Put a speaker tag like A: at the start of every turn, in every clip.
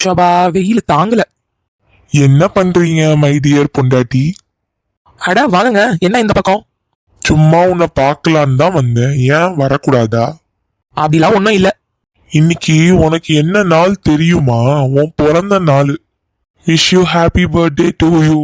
A: சபா வெயில் தாங்கல.
B: என்ன பண்றீங்க மை டியர் பொண்டாட்டி?
A: அட வாங்க, என்ன இந்த பக்கம்?
B: சும்மா உன்னை பார்க்கலான்னு தான் வந்தேன். ஏன் வரக்கூடாதா?
A: அப்படிலாம் ஒன்றும் இல்ல.
B: இன்னைக்கு உனக்கு என்ன நாள் தெரியுமா? உன் பிறந்த நாள். Wish you happy birthday to you.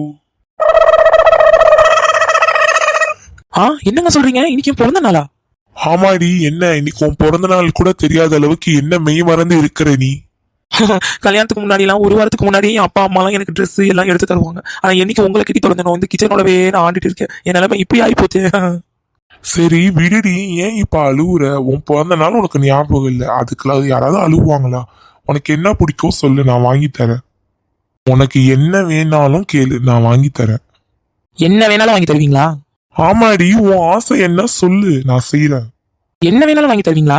A: என்னங்க சொல்றீங்க? இன்னைக்கு பிறந்த நாளா?
B: ஆமாடி, என்ன இன்னைக்கு உன் பிறந்த நாள் கூட தெரியாத அளவுக்கு என்ன மெய் மறந்து இருக்கிற நீ?
A: கல்யாணத்துக்கு முன்னாடி எல்லாம் ஒரு வாரத்துக்கு முன்னாடி அப்பா அம்மா எல்லாம் எனக்கு ட்ரெஸ் எல்லாம் எடுத்து தருவாங்க. ஆனா என்னைக்கு உங்களை கிட்டி தொடர்ந்து வந்து கிச்சனோடவே நான் ஆண்டிட்டு இருக்கேன். என் நிலைமை இப்படி ஆகி போச்சு.
B: சரி விடுடி, ஏன் இப்ப அழுவுற? உன் பிறந்த நாள் உனக்கு ஞாபகம் இல்லை, அதுக்குள்ள யாராவது அழுவாங்களா? உனக்கு என்ன பிடிக்கும் சொல்லு, நான் வாங்கி தரேன். உனக்கு என்ன வேணாலும் கேளு, நான் வாங்கி தரேன்.
A: என்ன வேணாலும் வாங்கி தருவீங்களா?
B: ஆமாடி, உன் ஆசை என்ன சொல்லு, நான் செய்யறேன்.
A: என்ன வேணாலும் வாங்கி தருவீங்களா?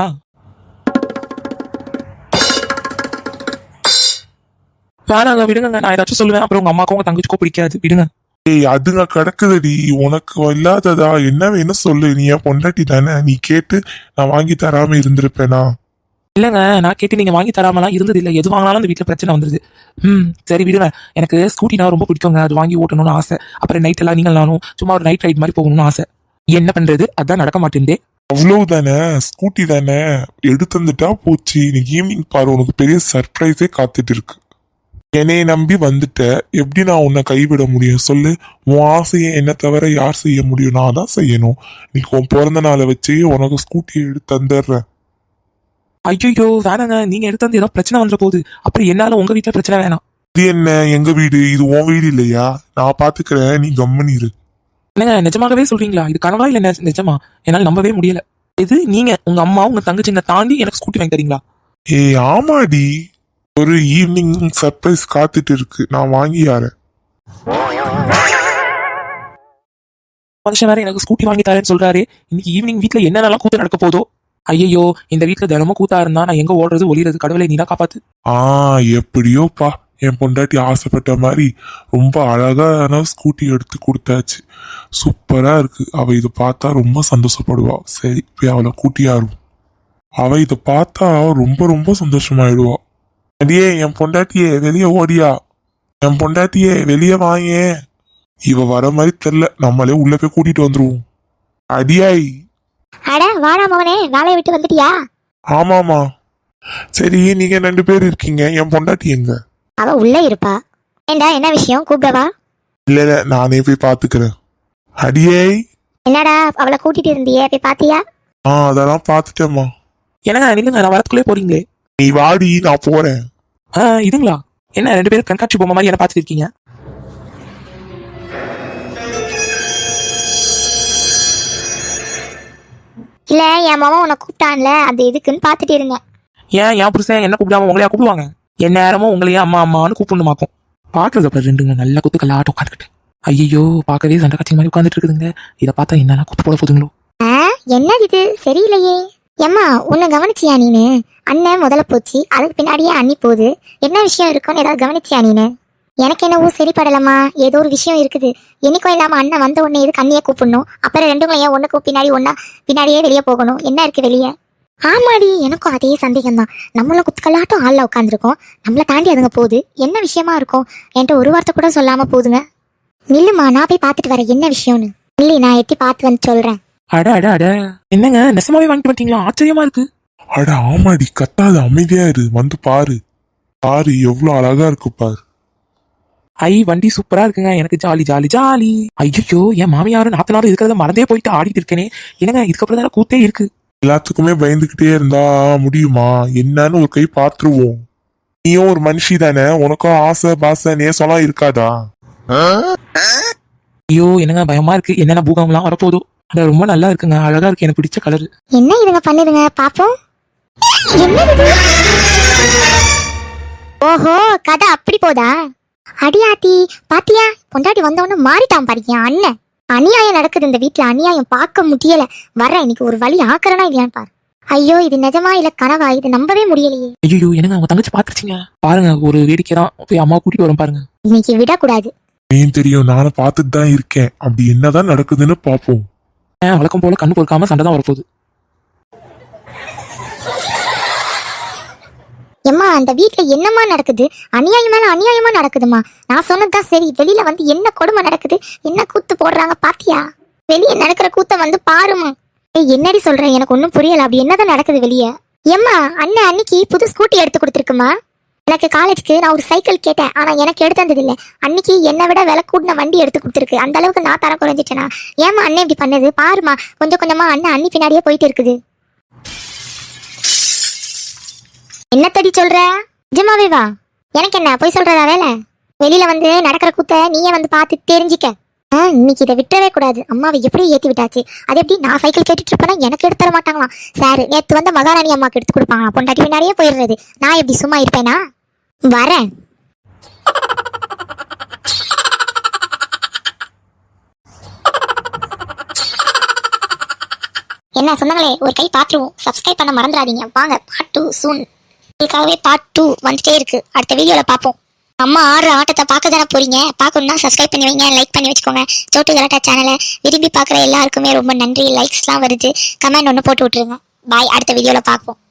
A: வேணாங்க, விடுங்க. நான் ஏதாச்சும் சொல்லுவேன், அப்புறம் உங்க அம்மாக்கும் உங்க தங்கச்சிக்கோ பிடிக்காது, விடுங்க.
B: ஏய், அதுங்க கிடக்குதுடி. உனக்கு இல்லாததா? என்ன வேணும் சொல்லு, நீ என் பொண்டாட்டி தானே, நீ கேட்டு நான் வாங்கி தராம இருந்திருப்பேனா?
A: இல்லைங்க, நான் கேட்டு நீங்க வாங்கி தராமலாம் இருந்தது இல்லை. எது வாங்கினாலும் அந்த வீட்டில் பிரச்சனை வந்துருது. சரி விடுங்க. எனக்கு ஸ்கூட்டினா ரொம்ப பிடிக்குங்க, அது வாங்கி ஓட்டணும்னு ஆசை. அப்புறம் நைட் எல்லாம் நீங்கள் நானும் சும்மா ஒரு நைட் ரைட் மாதிரி போகணும்னு ஆசை. என்ன பண்றது, அதான் நடக்க மாட்டேங்குதே.
B: அவ்வளவு தானே, ஸ்கூட்டி தானே, எடுத்து வந்துட்டா போச்சு. இன்னைக்கு ஈவினிங் பாரு, உனக்கு பெரிய சர்ப்ரைஸே காத்துட்டு இருக்கு. என்னைய நம்பி வந்துட்ட, எப்படி நான் உன்னை கைவிட முடியும் சொல்லு? உன் ஆசையை என்ன தவிர யார் செய்ய முடியும்? நான் தான் செய்யணும். இன்னைக்கு உன் பிறந்த நாளை வச்சு உனக்கு ஸ்கூட்டியை எடுத்து தந்துடுறேன்.
A: ஐயோ வேணாங்க, நீங்க எடுத்து வந்து ஏதோ பிரச்சனை வந்துட போகுது. அப்படி என்னால உங்க வீட்டுல பிரச்சனை வேணாம்.
B: இது என்ன எங்க வீடு? இது உன் வீடு இல்லையா? நான் பாத்துக்கிறேன், நீ கம்மனி இரு.
A: என்னங்க, நிஜமாகவே சொல்றீங்களா? இது கனவா இல்ல நிஜமா? என்னால நம்பவே முடியல. இது நீங்க உங்க அம்மா உங்க தங்கச்சிங்க தாண்டி எனக்கு ஸ்கூட்டி வாங்கி தரீங்களா?
B: ஏய் ஆமாடி, ஒரு ஈவினிங் சர்ப்ரைஸ் காத்துட்டு இருக்கு, நான் வாங்கி யாரேன்.
A: மனுஷன் வேற எனக்கு ஸ்கூட்டி வாங்கி தரேன்னு சொல்றாரு. இன்னைக்கு ஈவினிங் வீட்டுல என்னென்னலாம் கூத்து நடக்க போதோ. ஐயோ, இந்த வீட்டுல தினமும் கூத்தா இருந்தா நான் எங்க ஓடுறது ஒளிறது? கடவுளை நீதான் காப்பாத்து.
B: எப்படியோப்பா, என் பொண்டாட்டி ஆசைப்பட்ட மாதிரி ரொம்ப அழகான ஸ்கூட்டி எடுத்து கொடுத்தாச்சு. சூப்பரா இருக்கு. அவ இதை பார்த்தா ரொம்ப சந்தோஷப்படுவா. சரி, போய் அவளை கூட்டியாரும். அவ இதை பார்த்தா ரொம்ப ரொம்ப சந்தோஷமாயிடுவா. அடியே என் பொண்டாட்டியே வெளியே ஓடியா, என் பொண்டாட்டியே வெளியே வாயே. இவ வர மாதிரி தெரியல, நம்மளே உள்ள போய் கூட்டிட்டு வந்துருவோம். அடியாய்.
C: அட வாடா மவனே, வேலையை விட்டு வந்துட்டியா?
B: ஆமாமா. சரி, நீங்க 2 பேர் இருக்கீங்க, என் பொண்டாட்டி எங்க?
C: அவ உள்ள இருப்பா. ஏண்டா, என்ன விஷயம், கூப்பிடவா?
B: இல்ல, நானே போய் பாத்துக்கிறேன். அடியே.
C: என்னடா, அவளை கூட்டிட்டு இருந்தியே, போய் பாத்தியா?
B: அதெல்லாம் பாத்துட்டேம்மா.
A: என்னங்க நில்லுங்க, நான் வரத்துக்குள்ளே போறீங்களே.
B: நீ வாடி, நான் போறேன்.
A: இதுங்களா? என்ன 2 பேரும் கண்காட்சி பொம்மை மாதிரி என்ன பாத்துட்டு இருக்கீங்க?
C: இல்ல, என் மாமா உன்னை கூப்பிட்டான்ல, அது எதுக்குன்னு பாத்துட்டு இருந்தேன்.
A: ஏன் புருஷன் என்ன கூப்பிடாம உங்களையா கூப்பிடுவாங்க? என் நேரமும் உங்களையே அம்மா அம்மான்னு கூப்பிடணுமாக்கும். பாக்குறது அப்புறம் 2ங்க நல்ல குத்து கல்லாட்டம் உட்காந்துக்கிட்டு. ஐயோ, பார்க்கவே சண்டை காட்சி மாதிரி உட்காந்துட்டு இருக்குதுங்க. இதை பார்த்தா என்னன்னா குத்து போட போதுங்களோ.
C: என்னது இது, சரியில்லையே. ஏம்மா, உன்னை கவனிச்சியா நீனு? அண்ணன் முதல்ல போச்சு, அதுக்கு பின்னாடியே அண்ணி போகுது. என்ன விஷயம் இருக்குன்னு ஏதாவது கவனிச்சியா நீனு? எனக்கு என்னவோ சரிப்படலம்மா, ஏதோ ஒரு விஷயம் இருக்குது. என்னைக்கும் இல்லாம அண்ணன் வந்த உடனே எதுக்கு அண்ணியே கூப்பிடணும்? அப்புறம் 2ங்களும் ஏன் ஒண்ணுக்கு பின்னாடி ஒன்னா பின்னாடியே வெளியே போகணும்? என்ன இருக்கு வெளியே? ஆமாடி, எனக்கும் அதே சந்தேகம் தான். நம்மளும் குத்துக்கல்லாட்டம் ஆள்ல உட்காந்துருக்கோம், நம்மளை தாண்டி அதுங்க போகுது. என்ன விஷயமா இருக்கும்? என்கிட்ட ஒரு வார்த்தை கூட சொல்லாம போகுதுங்க. நில்லுமா, நான் போய் பார்த்துட்டு வரேன் என்ன விஷயம்னு. இல்லை, நான் எட்டி பார்த்து வந்து சொல்றேன்.
A: அட அட அட, என்னங்க நெசமாவே வாங்கிட்டு வந்துட்டீங்களா? ஆச்சரியமா இருக்கு.
B: அட ஆமாடி, கத்தாத, அமைதியா இரு, வந்து பாரு. பாரு எவ்வளவு அழகா இருக்கு பாரு.
A: வண்டி சூப்பரா இருக்குங்க, எனக்கு ஜாலி ஜாலி ஜாலி. ஐயோ, என் மாமியாரும் நாத்தனாரும் இருக்கிறத மறந்தே போயிட்டு ஆடிட்டு இருக்கேனே. என்னங்க, இதுக்கப்புறம் தானே கூத்தே இருக்கு.
B: எல்லாத்துக்குமே பயந்துகிட்டே இருந்தா முடியுமா? என்னன்னு ஒரு கை பாத்துருவோம். நீயும் ஒரு மனுஷி தானே, உனக்கும் ஆசை பாசை நேசம்லாம் இருக்காதா?
A: ஐயோ, என்னங்க பயமா இருக்கு. என்னென்ன பூகம்லாம் வரப்போதோ. அட ரொம்ப நல்லா இருக்குங்க, அழகா இருக்கு, எனக்கு பிடிச்ச கலர்.
C: என்ன இதுங்க பண்ணுதுங்க, பாப்போம். என்னது? ஓஹோ, கதை அப்படி போதா? அடியாத்தி, பாத்தியா, பொண்டாட்டி வந்தவொன்னு மாறிட்டான் பாருங்க அண்ணன். அநியாயம் நடக்குது இந்த வீட்டுல, அநியாயம் பார்க்க முடியல. வர இன்னைக்கு ஒரு வழி ஆக்கறனா இல்லையான்னு பாரு. ஐயோ, இது நிஜமா இல்ல கனவா? இது நம்பவே முடியலையே.
A: ஐயோ, என்னங்க அவங்க தங்கச்சி பாத்துருச்சிங்க பாருங்க. ஒரு வேடிக்கை தான், போய் அம்மா கூட்டிட்டு வரும் பாருங்க.
C: இன்னைக்கு விடக்கூடாது.
B: ஏன் தெரியும், நானும் பார்த்துட்டு தான் இருக்கேன். அப்படி என்னதான் நடக்குதுன்னு பாப்போம்.
A: வழக்கம் போல கண்ணு பொறுக்காம சண்டை தான் வரப்போகுது.
C: எம்மா அந்த வீட்ல என்னம்மா நடக்குது? அநியாயம் மேல அநியாயமா நடக்குதுமா. நான் சொன்னதுதான் சரி. வெளியில வந்து என்ன கொடுமை நடக்குது, என்ன கூத்து போடுறாங்க பாத்தியா? வெளியே நடக்கிற கூத்த வந்து பாருமா. என்னடி சொல்ற? எனக்கு ஒன்னும் புரியல. அப்படி என்னதான் நடக்குது வெளியே? எம்மா அண்ணன் அன்னைக்கு புது ஸ்கூட்டி எடுத்து கொடுத்துருக்குமா. எனக்கு காலேஜுக்கு நான் ஒரு சைக்கிள் கேட்டேன், ஆனா எனக்கு எடுத்து வந்தது இல்ல. அன்னைக்கு என்னை விட விலை கூடின வண்டி எடுத்து கொடுத்துருக்கு. அந்த அளவுக்கு நான் தரம் குறைஞ்சிட்டேனா? ஏமா அண்ணன் இப்படி பண்ணது பாருமா. கொஞ்சம் கொஞ்சமா அண்ணன் அண்ணி பின்னாடியே போயிட்டு இருக்குது. என்ன தடி சொல்ற? நிஜமாவே வா. எனக்கு என்ன போய் சொல்றதா வேலை? வெளியில வந்து நடக்கிற கூத்த நீயே வந்து பார்த்து தெரிஞ்சிக்க. இன்னைக்கு இதை விட்டுறவே கூடாது. அம்மாவை எப்படி ஏத்தி விட்டாச்சு. அது எப்படி நான் சைக்கிள் கேட்டுட்டு இருப்பேன்னா எனக்கு எடுத்து தர மாட்டாங்களாம். சார் நேத்து வந்த மகாராணி அம்மாக்கு எடுத்து கொடுப்பாங்க. பொண்டாட்டி பின்னாடியே போயிடுறது. நான் எப்படி சும்மா இருப்பேனா? வரேன். என்ன சொன்னாங்களே ஒரு கை பாத்துருவோம். சப்ஸ்கிரைப் பண்ண மறந்துடாதீங்க. வாங்க பார்ட் 2 சூன். உங்களுக்காகவே பார்ட் 2 வந்துட்டே இருக்கு. அடுத்த வீடியோல பார்ப்போம். அம்மா ஆடுற ஆட்டத்தை பார்க்க தானே போறீங்க. பார்க்கணும்னா சப்ஸ்கிரைப் பண்ணி வைங்க, லைக் பண்ணி வச்சுக்கோங்க. சோட்டு கலாட்டா சேனலை விரும்பி பார்க்குற எல்லாருக்குமே ரொம்ப நன்றி. லைக்ஸ்லாம் வருது. கமெண்ட் ஒன்று போட்டு விட்டுருங்க. பாய். அடுத்த வீடியோல பார்ப்போம்.